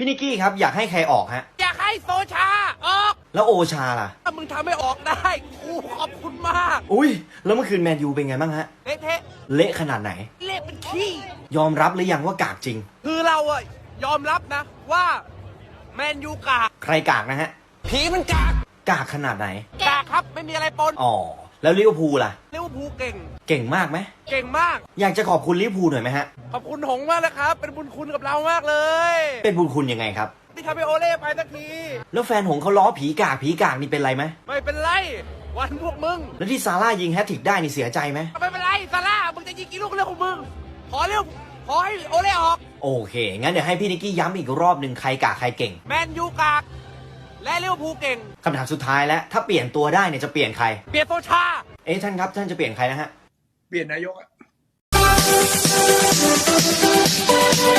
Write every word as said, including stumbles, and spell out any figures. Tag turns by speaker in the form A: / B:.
A: พี่นิกกี้ครับอยากให้ใครออกฮะ
B: อยากให้โซชาออก
A: แล้วโอชาล่ะ
B: ถ้ามึงทำให้ออกได้กูขอบคุณมาก
A: อุ้ยแล้วเมื่อคืนแมนยูเป็นไงบ้างฮะ
B: เละเทะ
A: เละขนาดไหน
B: เละเป็นขี้
A: ยอมรับหรือยังว่ากากจริง
B: คือเราอะยอมรับนะว่าแมนยูกาก
A: ใครกากนะฮะ
B: ผีมันกาก
A: กากขนาดไหน
B: กากครับไม่มีอะไรปน
A: อ๋อแล้วลิเวอร์พูลล่ะ
B: ลิเวอร์พูลเก่ง
A: เก่งมากไหม
B: เก่งมาก
A: อยากจะขอบคุณลิเวอร์พูลหน่อยไหมฮะ
B: ขอบคุณหงมากนะครับเป็นบุญคุณกับเรามากเลย
A: เป็นบุญคุณยังไงครับ
B: ที่ทำให้โอเล่ไปสักที
A: แล้วแฟนหงเขาล้อผีกากผีกากนี่เป็นไรไหม
B: ไม่เป็นไรวันพวกมึง
A: แล้วที่ซาร่ายิงแฮตทริกได้นี่เสียใจไหม
B: ไม่เป็นไรซาร่ามึงจะยิงกี่ลูกเรื่องของมึงขอเร็วขอให้โอเล่ออก
A: โอเคงั้นเดี๋ยวให้พี่นิกกี้ย้ำอีกรอบหนึ่งใครกากใครเก่ง
B: แมนยูกากและลิเวอร์พูลเก่ง
A: คำถามสุดท้ายแล้วถ้าเปลี่ยนตัวได้เนี่ยจะเปลี่ยนใคร
B: เปลี่ยนโซชา
A: เอ๊ะท่านครับท่านจะเปลี่ยนใครนะฮะ
C: เปลี่ยนนายกอะ